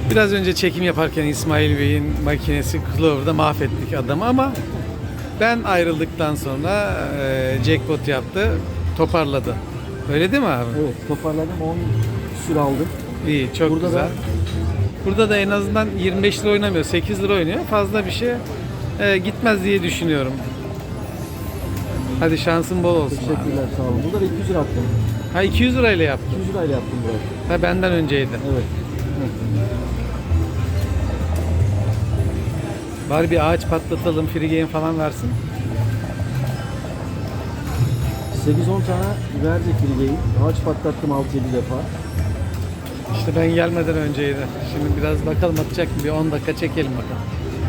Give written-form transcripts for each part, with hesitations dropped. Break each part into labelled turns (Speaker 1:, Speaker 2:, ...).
Speaker 1: Biraz önce çekim yaparken İsmail Bey'in makinesi Clover'da mahvettik adamı ama ben ayrıldıktan sonra jackpot yaptı, toparladı. Öyle değil mi abi?
Speaker 2: Evet, toparladım, 10 küsür aldım.
Speaker 1: İyi, çok
Speaker 2: Burada
Speaker 1: güzel.
Speaker 2: da-
Speaker 1: Burada da en azından 25 lira oynamıyor, 8 lira oynuyor. Fazla bir şey gitmez diye düşünüyorum. Hadi şansın bol olsun abi.
Speaker 2: Teşekkürler, sağ olun. Burada da 200 lira attım.
Speaker 1: Ha 200 lirayla yaptım.
Speaker 2: 200 lirayla yaptım burayı.
Speaker 1: Ha benden önceydi.
Speaker 2: Evet.
Speaker 1: Bari bir ağaç patlatalım, free game falan versin.
Speaker 2: 8-10 tane verdi filgeyi. Ağaç patlattım 6-7 defa.
Speaker 1: İşte ben gelmeden önceydi. Şimdi biraz bakalım atacak mı? Bir 10 dakika çekelim bakalım.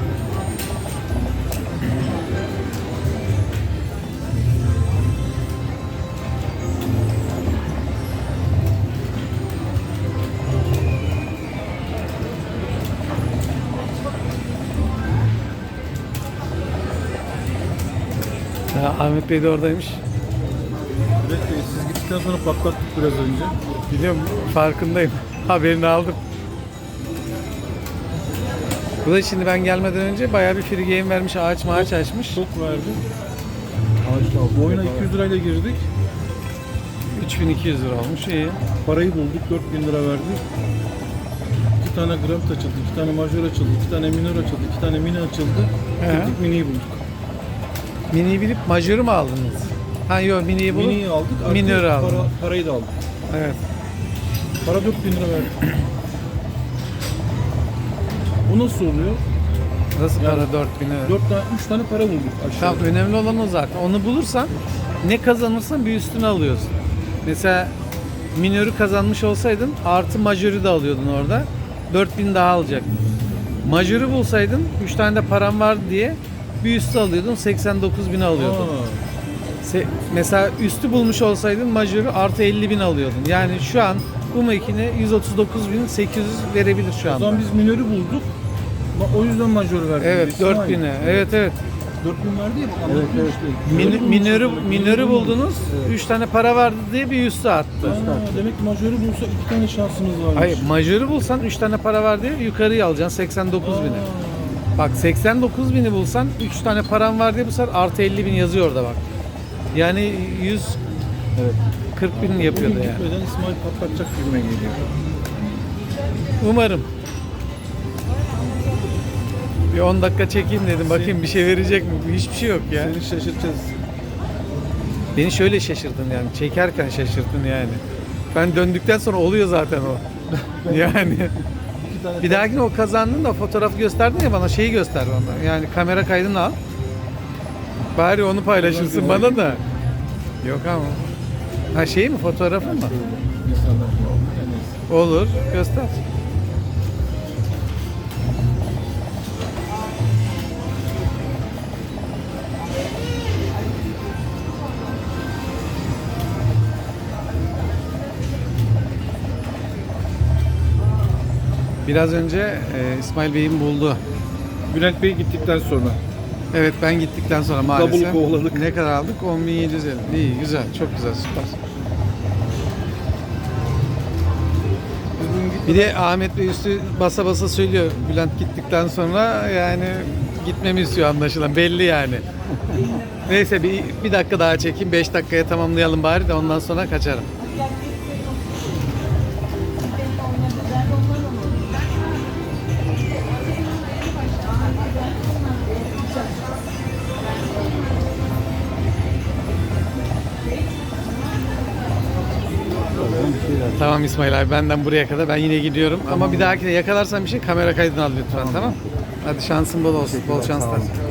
Speaker 1: Ya, Ahmet Bey de oradaymış.
Speaker 3: Evet, siz gittikten sonra patlattık biraz önce.
Speaker 1: Biliyorum, farkındayım. Haberini aldım. Bu da şimdi ben gelmeden önce bayağı bir free game vermiş, ağaç maaç açmış.
Speaker 3: Çok verdi.
Speaker 2: Ağaçta aldım.
Speaker 3: Bu oyuna 200 lirayla girdik.
Speaker 1: 3200 lira olmuş, iyi.
Speaker 3: Parayı bulduk, 4000 lira verdik. 2 tane gram açıldı, 2 tane majör açıldı, 2 tane minör açıldı, 2 tane mini açıldı.
Speaker 1: He.
Speaker 3: Gittik miniyi bulduk.
Speaker 1: Mini'yi bilip majörü mü aldınız? Ha yok, Mini'yi bulup
Speaker 3: Miniyi aldık, artı
Speaker 1: minörü aldım.
Speaker 3: parayı da aldık.
Speaker 1: Evet.
Speaker 3: Para 4000 lira verdik. Bu nasıl oluyor?
Speaker 1: Nasıl
Speaker 3: Yani
Speaker 1: para 4000 lira?
Speaker 3: 3 tane para bulduk aşağı.
Speaker 1: Tamam, önemli olan o zaten. Onu bulursan ne kazanırsan bir üstüne alıyorsun. Mesela minörü kazanmış olsaydın artı majörü de alıyordun orada. 4000 daha alacaktın. Majörü bulsaydın 3 tane de param var diye bir üstü alıyordun, 89.000 alıyordun. Mesela üstü bulmuş olsaydın majörü artı 50.000 alıyordun. Yani şu an bu makine 139.800 verebilir şu
Speaker 3: O
Speaker 1: anda.
Speaker 3: zaman biz minörü bulduk. O yüzden majör verdik.
Speaker 1: Evet,
Speaker 3: İsmail.
Speaker 1: 4000'e. Evet evet.
Speaker 3: 4000 verdi ya. bak,
Speaker 2: Evet,
Speaker 3: anlatıyor
Speaker 2: evet.
Speaker 3: işte.
Speaker 1: Minörü buldunuz. 3 tane para vardı diye bir üstü attı.
Speaker 3: Demek ki majörü bulsa 2 tane şansımız varmış.
Speaker 1: Hayır, majörü bulsan 3 tane para var diye yukarıya alacaksın 89.000'e. Bak 89.000'i bulsan 3 tane param var diye bu sefer artı 50.000 yazıyor orada bak. Yani 140.000
Speaker 3: Evet.
Speaker 1: yapıyordu
Speaker 3: Bugün
Speaker 1: yani.
Speaker 3: gitmeden İsmail patlatacak gibime geliyor.
Speaker 1: Umarım. Bir 10 dakika çekeyim dedim. Bakayım bir şey verecek mi? Hiçbir şey yok ya.
Speaker 3: Seni şaşırtacağız.
Speaker 1: Beni şöyle şaşırdın yani. Çekerken şaşırttın yani. Ben döndükten sonra oluyor zaten o. Yani.
Speaker 3: İki tane
Speaker 1: Bir dahakine o kazandın da fotoğrafı gösterdin ya bana, şeyi göster bana. Yani kamera kaydını al. Bari onu paylaşırsın bana da. Yok ama. Ha şey mi, fotoğrafı mı?
Speaker 3: insanlar. Yani
Speaker 1: Olur, göster. Biraz önce İsmail Bey'in buldu.
Speaker 3: Bülent Bey gittikten sonra.
Speaker 1: Evet, ben gittikten sonra maalesef.
Speaker 3: Double kovaladık.
Speaker 1: Ne kadar aldık? 10.750. İyi, güzel, çok güzel, süper. Bir de Ahmet Bey üstü basa basa söylüyor. Bülent gittikten sonra yani gitmemi istiyor anlaşılan. Belli yani. Neyse bir dakika daha çekeyim. 5 dakikaya tamamlayalım bari de ondan sonra kaçarım. Tamam İsmail abi, benden buraya kadar. Ben yine gidiyorum. Ama bir dahakine yakalarsan bir şey, kamera kaydını al lütfen, tamam? Hadi şansın bol olsun. Bol şanslar.